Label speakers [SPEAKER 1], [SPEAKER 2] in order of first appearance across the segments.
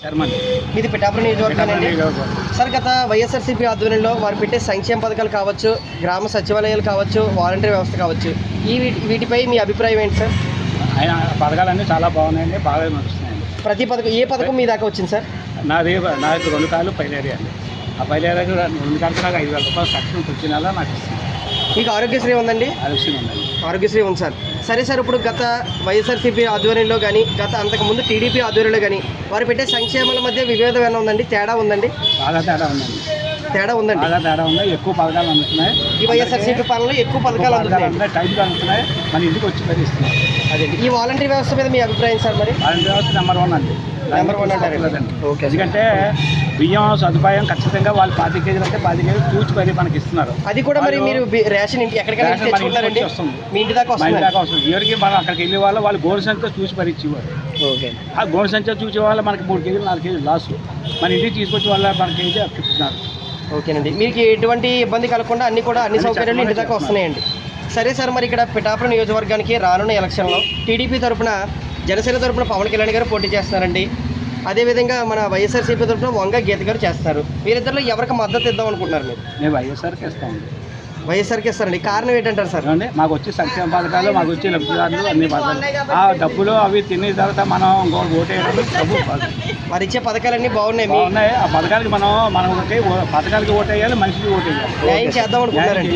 [SPEAKER 1] మీది పిఠాపురం నియోజకవర్గం అండి. సార్, గత వైఎస్ఆర్సీపీ ఆధ్వర్యంలో వారు పెట్టే సంక్షేమ పథకాలు కావచ్చు, గ్రామ సచివాలయాలు కావచ్చు, వాలంటీర్ వ్యవస్థ కావచ్చు, వీటిపై మీ అభిప్రాయం ఏంటి సార్?
[SPEAKER 2] ఆయన పథకాలన్నీ చాలా బాగున్నాయండి, బాగా నడుస్తున్నాయండి.
[SPEAKER 1] ప్రతి పథకం ఏ పథకం మీ దాకా వచ్చింది సార్?
[SPEAKER 2] నాకు 2 కార్లు పైలేరియా అండి. ఆ పైలేరియాకి 2 కార్లు నాకు 5,000 రూపాయలు తక్షణం వచ్చిన నెల నాకు ఇస్తుంది.
[SPEAKER 1] మీకు ఆరోగ్యశ్రీ ఉందండి?
[SPEAKER 2] ఆరోగ్యశ్రీ ఉందండి.
[SPEAKER 1] ఆరోగ్యశ్రీ ఉంది సార్. సరే సార్, ఇప్పుడు గత వైఎస్ఆర్సీపీ ఆధ్వర్యంలో కానీ అంతకుముందు టీడీపీ ఆధ్వర్యంలో కానీ వారు పెట్టే సంక్షేమాల మధ్య విభేదం ఏమైనా ఉందండి? తేడా ఉందండి?
[SPEAKER 2] బాగా తేడా ఉందండి.
[SPEAKER 1] తేడా ఉందండి.
[SPEAKER 2] బాగా తేడా ఉంది. ఎక్కువ పథకాలు అందుతున్నాయి.
[SPEAKER 1] ఈ వైఎస్ఆర్సీపీ పాలనలో ఎక్కువ పథకాలు అందుతున్నాయి,
[SPEAKER 2] టైంగా అందుతున్నాయి. మన ఇంటికి వచ్చి మరి ఇస్తున్నాయి.
[SPEAKER 1] అదే ఈ వాలంటీర్ వ్యవస్థ మీద మీ అభిప్రాయం సార్? మరి
[SPEAKER 2] వాలంటీర్ వ్యవస్థ నెంబర్ 1 అండి.
[SPEAKER 1] నెంబర్ 1 అంటారు.
[SPEAKER 2] ఓకే. ఎందుకంటే బియ్యం సదుపాయం ఖచ్చితంగా వాళ్ళు 5 కేజీలు అంటే 10 కేజీలు తూచి పరి మనకి ఇస్తున్నారు.
[SPEAKER 1] అది కూడా మరి మీరు రేషన్ ఎక్కడికైనా తెచ్చుకుంటారండి? మీ ఇంటి దాకా వస్తుంది.
[SPEAKER 2] ఎవరికి మనం అక్కడికి వెళ్ళే వాళ్ళు గోడు సంఖ్య చూసి పరిచేవారు.
[SPEAKER 1] ఓకే.
[SPEAKER 2] ఆ గోడు సంఖ్య చూసే వాళ్ళు మనకి 3 కేజీలు 4 కేజీలు లాస్. మన ఇంటికి తీసుకొచ్చి వాళ్ళ మన కేజీ చెప్తున్నారు.
[SPEAKER 1] ఓకేనండి. మీకు ఎటువంటి ఇబ్బంది కలగకుండా అన్ని సౌకర్యాలు ఇంటి దాకా వస్తున్నాయండి. సరే సార్, మరి ఇక్కడ పిఠాపురం నియోజకవర్గానికి రానున్న ఎలక్షన్లో టీడీపీ తరఫున, జనసేన తరఫున పవన్ కళ్యాణ్ గారు పోటీ చేస్తున్నారండి. అదేవిధంగా మన వైఎస్ఆర్సీపీ తరఫున వంగ గీత గారు చేస్తారు. వీరిద్దరిలో ఎవరికి మద్దతు ఇద్దాం అనుకుంటున్నారు మీరు?
[SPEAKER 2] మేము వైఎస్ఆర్కి ఇస్తామండి.
[SPEAKER 1] వైఎస్ఆర్కి ఇస్తారండి. కారణం ఏంటంటారు సార్?
[SPEAKER 2] అంటే మాకు వచ్చే సంక్షేమ పథకాలు, మాకు వచ్చే లబ్ధిదారులు అన్ని పథకాలు, ఆ డబ్బులు అవి తిన్న తర్వాత మనం ఓటేయడం డబ్బు
[SPEAKER 1] వారు ఇచ్చే పథకాలన్నీ బాగున్నాయి.
[SPEAKER 2] ఆ పథకాలకి మనం పథకాలకి ఓటేయాలి, మనిషికి ఓటేయాలి.
[SPEAKER 1] న్యాయం చేద్దాం అనుకుంటున్నారండి.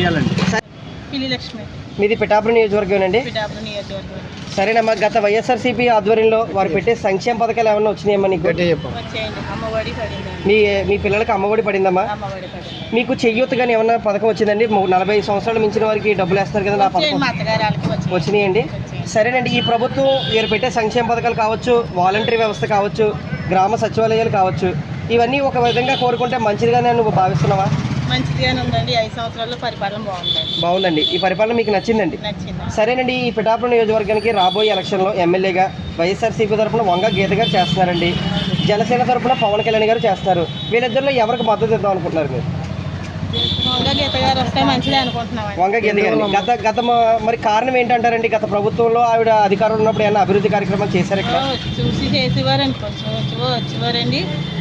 [SPEAKER 1] మీది పిఠాపురం నియోజకవర్గం అండి? సరేనమ్మా, గత వైఎస్ఆర్సీపీ ఆధ్వర్యంలో వారు పెట్టే సంక్షేమ పథకాలు ఏమన్నా వచ్చినాయమ్మా నీకు? మీ పిల్లలకి అమ్మఒడి పడిందమ్మా? మీకు చెయ్యూత కానీ ఏమన్నా పథకం వచ్చిందండి? 40 సంవత్సరాలు మించిన వారికి డబ్బులు వేస్తారు కదా, ఆ పథకం వచ్చినాయండి? సరేనండి, ఈ ప్రభుత్వం వీరు పెట్టే సంక్షేమ పథకాలు కావచ్చు, వాలంటీర్ వ్యవస్థ కావచ్చు, గ్రామ సచివాలయాలు కావచ్చు, ఇవన్నీ ఒక విధంగా కోరుకుంటే మంచిదిగానే నువ్వు భావిస్తున్నావా?
[SPEAKER 3] మంచిగానే ఉందండి. 5 సంవత్సరాల్లో పరిపాలన
[SPEAKER 1] బాగుందండి. ఈ పరిపాలన మీకు నచ్చిందండి? సరేనండి, ఈ పిఠాపురం నియోజకవర్గానికి రాబోయే ఎలక్షన్లో ఎమ్మెల్యేగా వైఎస్ఆర్సీపీ తరఫున వంగ గీత గారు చేస్తున్నారండి. జనసేన తరఫున పవన్ కళ్యాణ్ గారు చేస్తున్నారు. వీళ్ళిద్దరిలో ఎవరికి మద్దతు ఇద్దాం అనుకుంటున్నారు మీరు?
[SPEAKER 3] వంగ గీత గారు వస్తే మంచిదే అనుకుంటున్నాం.
[SPEAKER 1] వంగ గీత గారు గత మరి కారణం ఏంటంటారండి? గత ప్రభుత్వంలో ఆవిడ అధికారంలో ఉన్నప్పుడు ఏమైనా అభివృద్ధి కార్యక్రమాలు చేశారు? ఇక్కడ
[SPEAKER 3] చూసి చేసేవారండి, వచ్చేవారండి.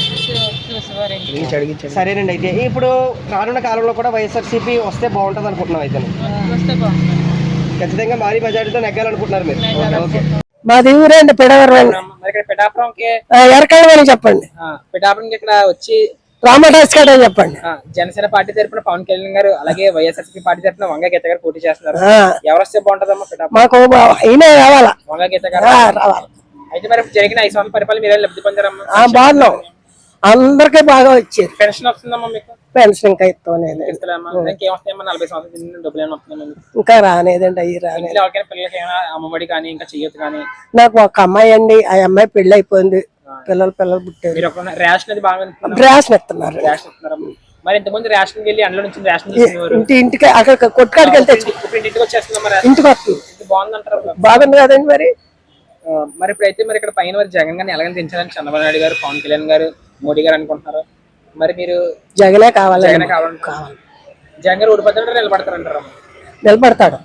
[SPEAKER 1] సరేనండి, అయితే ఇప్పుడు రానున్న కాలంలో కూడా వైఎస్ఆర్సీపీ వస్తే బాగుంటుంది అనుకుంటున్నాం. అయితే
[SPEAKER 3] వస్తే బాగుంటుంది,
[SPEAKER 1] ఖచ్చితంగా భారీ మెజారిటీతో నెగ్గాలనుకుంటున్నారు మీరు? ఓకే.
[SPEAKER 4] మాది ఊరండి పిఠాపురం.
[SPEAKER 5] పిఠాపురంకి
[SPEAKER 4] ఎరకాయమని చెప్పండి.
[SPEAKER 5] పిఠాపురంకి ఇక్కడ వచ్చి
[SPEAKER 4] రామదాస్ గారు చెప్పండి.
[SPEAKER 5] జనసేన పార్టీ తరఫున పవన్ కళ్యాణ్ గారు, అలాగే వైఎస్ఆర్సీపీ పార్టీ తరఫున వంగ గీత గారు పోటీ చేస్తున్నారు. ఎవరు వస్తే బాగుంటుందమ్మా పిఠాపురం?
[SPEAKER 4] మాకు అయినా రావాలా,
[SPEAKER 5] వంగ గీత గారు
[SPEAKER 4] రావాలి.
[SPEAKER 5] అయితే మరి జరిగిన 5 సంవత్సరాల పరిపాలన మీరే లబ్ధి పొందారమ్మా?
[SPEAKER 4] బాగున్నాం, అందరికీ బాగా వచ్చారు.
[SPEAKER 5] పెన్షన్ వస్తుందమ్మా మీకు?
[SPEAKER 4] పెన్షన్ ఇంకా ఇస్తామా?
[SPEAKER 5] ఇంకేమొస్తాయమ్మా? 40 సంవత్సరాల డబ్బులు ఏమైనా వస్తున్నాయి?
[SPEAKER 4] ఇంకా రానేదండి. అవి రాలేదు.
[SPEAKER 5] ఎవరికైనా పిల్లలకి ఏమైనా అమ్మఒడి కానీ ఇంకా చెయ్యొద్దు కానీ?
[SPEAKER 4] నాకు ఒక అమ్మాయి అండి, ఆ అమ్మాయి పెళ్లి అయిపోయింది, పిల్లలు పుట్టారు.
[SPEAKER 5] రేషన్ అది బాగా
[SPEAKER 4] రేషన్ ఇస్తున్నారు.
[SPEAKER 5] మరి ఇంతకుముందు రేషన్ వెళ్ళి అందులో నుంచి రేషన్
[SPEAKER 4] ఇంటికి అక్కడ కొట్టుకాడికి వెళ్తే
[SPEAKER 5] ఇంటికి వచ్చేస్తుందా?
[SPEAKER 4] ఇంటికి వస్తుంది.
[SPEAKER 5] బాగుందంటారు?
[SPEAKER 4] బాగుంది కదండి.
[SPEAKER 5] మరి ఇప్పుడైతే మరి ఇక్కడ పైన మరి జగన్ గారిని ఎలాగని దించాలని చంద్రబాబు నాయుడు గారు, పవన్ కళ్యాణ్ గారు, మోడీ గారు అనుకుంటున్నారు. మరి మీరు
[SPEAKER 4] జగనే కావాలి.
[SPEAKER 5] జగన్ కావాలి. జగన్ గారు ఓడిపోతాడు, నిలబడతారంటారు?
[SPEAKER 4] నిలబడతాడు.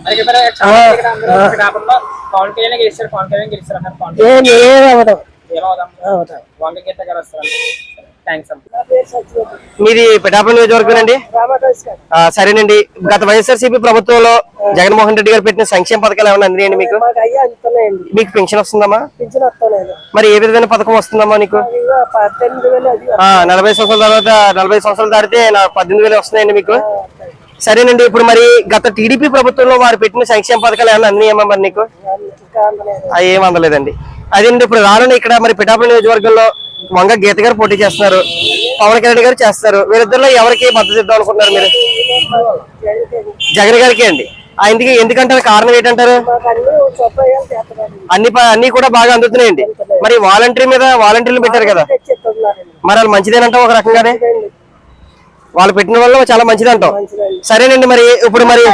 [SPEAKER 5] పవన్ కళ్యాణ్ గెలిస్తారు, పవన్ కళ్యాణ్ గెలిస్తారు అన్నారు. వంగ గీత గారు వస్తారు.
[SPEAKER 1] మీది పిఠాపురం నియోజకవర్గం అండి? సరేనండి, గత వైఎస్ఆర్సీపీ ప్రభుత్వంలో జగన్మోహన్ రెడ్డి గారు పెట్టిన సంక్షేమ పథకాలు ఏమైనా అందినాయండి మీకు? మీకు పెన్షన్ వస్తుందమ్మా? మరి ఏ విధమైన పథకం వస్తుందమ్మా నీకు? 40 సంవత్సరాల తర్వాత 40 సంవత్సరాలు దాటితే 18,000 వస్తున్నాయండి మీకు? సరేనండి, ఇప్పుడు మరి గత టీడీపీ ప్రభుత్వంలో వారు పెట్టిన సంక్షేమ పథకాలు ఏమైనా అందినాయమ్మా మరి నీకు? అవి ఏం అందలేదండి. అదేంటి ఇప్పుడు రానున్న ఇక్కడ మరి పిఠాపురం నియోజకవర్గంలో వంగ గీత గారు పోటీ చేస్తున్నారు, పవన్ కళ్యాణ్ గారు చేస్తారు. వీరిద్దరిలో ఎవరికి మద్దతు ఇద్దాం అనుకుంటున్నారు మీరు? జగన్ గారికి అండి. ఆయనకి ఎందుకంటారు? కారణం ఏంటంటారు? అన్ని కూడా బాగా అందుతున్నాయండి. మరి వాలంటీర్లు పెట్టారు కదా, మరి వాళ్ళు మంచిదేనంటాం ఒక రకంగానే? వాళ్ళు పెట్టిన వల్ల చాలా మంచిదంటాం. సరేనండి, మరి ఇప్పుడు మరి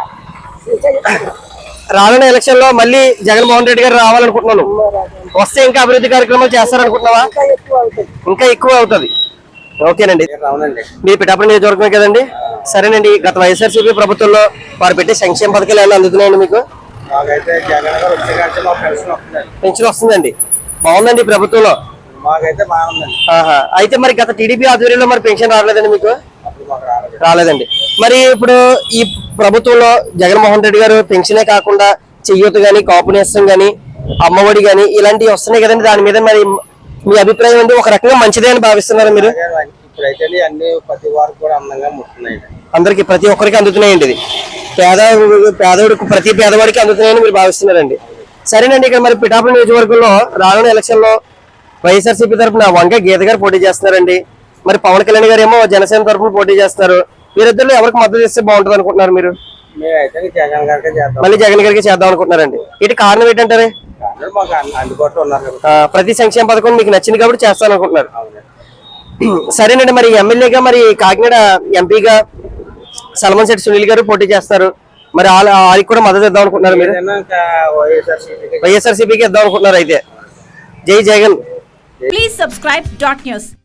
[SPEAKER 1] రానున్న ఎలక్షన్ లో మళ్ళీ జగన్మోహన్ రెడ్డి గారు రావాలనుకుంటున్నాను. వస్తే ఇంకా అభివృద్ధి కార్యక్రమాలు చేస్తారనుకుంటున్నావా? ఇంకా ఎక్కువ అవుతుంది. ఓకేనండి. మీ పిఠాపురం నియోజకవర్గం కదండి? సరేనండి, గత వైఎస్ఆర్సీపీ ప్రభుత్వంలో వారు పెట్టే సంక్షేమ పథకాలు ఏమైనా అందుతున్నాయండి మీకు? పెన్షన్ వస్తుందండి. బాగుందండి ప్రభుత్వంలో.
[SPEAKER 6] మాకైతే బాగుందండి.
[SPEAKER 1] ఆహా. అయితే మరి గత టీడీపీ ఆధ్వర్యంలో మరి పెన్షన్ రాలేదండి మీకు?
[SPEAKER 6] అప్పుడు మాకు రాలేదు.
[SPEAKER 1] రాలేదండి. మరి ఇప్పుడు ఈ ప్రభుత్వంలో జగన్మోహన్ రెడ్డి గారు పెన్షనే కాకుండా చెయ్యూత గాని, కాపు నేస్తం గాని, అమ్మఒడి గాని ఇలాంటివి వస్తున్నాయి కదండి. దాని మీద మరి మీ అభిప్రాయం ఏంటి? ఒక రకంగా మంచిదే అని భావిస్తున్నారు మీరు?
[SPEAKER 6] ఇప్పుడైతే అన్ని ప్రతి వారికి కూడా అందంగా ముట్టున్నాయి.
[SPEAKER 1] అందరికి ప్రతి ఒక్కరికి అందుతున్నాయండి. ఇది పేదవాడికి ప్రతి పేదవాడికి అందుతున్నాయని మీరు భావిస్తున్నారండి. సరేనండి. ఇక్కడ మరి పిఠాపురం నియోజకవర్గంలో రానున్న ఎలక్షన్ లో వైఎస్ఆర్సీపీ తరఫున వంగ గీత గారు పోటీ చేస్తున్నారండి. మరి పవన్ కళ్యాణ్ గారు ఏమో జనసేన తరఫున పోటీ చేస్తారు. వీరిద్దరిలో ఎవరికి మద్దతు ఇస్తే బాగుంటుంది అనుకుంటున్నారు మీరు?
[SPEAKER 6] మేమైతే జగన్ గారికి చేద్దాం.
[SPEAKER 1] మళ్ళీ జగన్ గారికి చేద్దాం అనుకుంటున్నారండి. ఇటు కారణం ఏంటంటారు?
[SPEAKER 6] మాకు అందుబాటులో ఉన్నారు కదా.
[SPEAKER 1] ప్రతి సంక్షేమ పథకం మీకు నచ్చింది కాబట్టి చేస్తాను అనుకుంటున్నారు. సరేనండి. మరి ఎమ్మెల్యేగా మరి కాకినాడ ఎంపీగా సల్మాన్ శెట్టి సునీల్ గారు పోటీ చేస్తారు. మరి వాళ్ళకి కూడా మద్దతు ఇద్దాం అనుకుంటున్నారు మీరు? వైఎస్ఆర్సీపీకి ఇద్దాం అనుకుంటున్నారు. అయితే జై Jagan.
[SPEAKER 7] Please subscribe Dot News.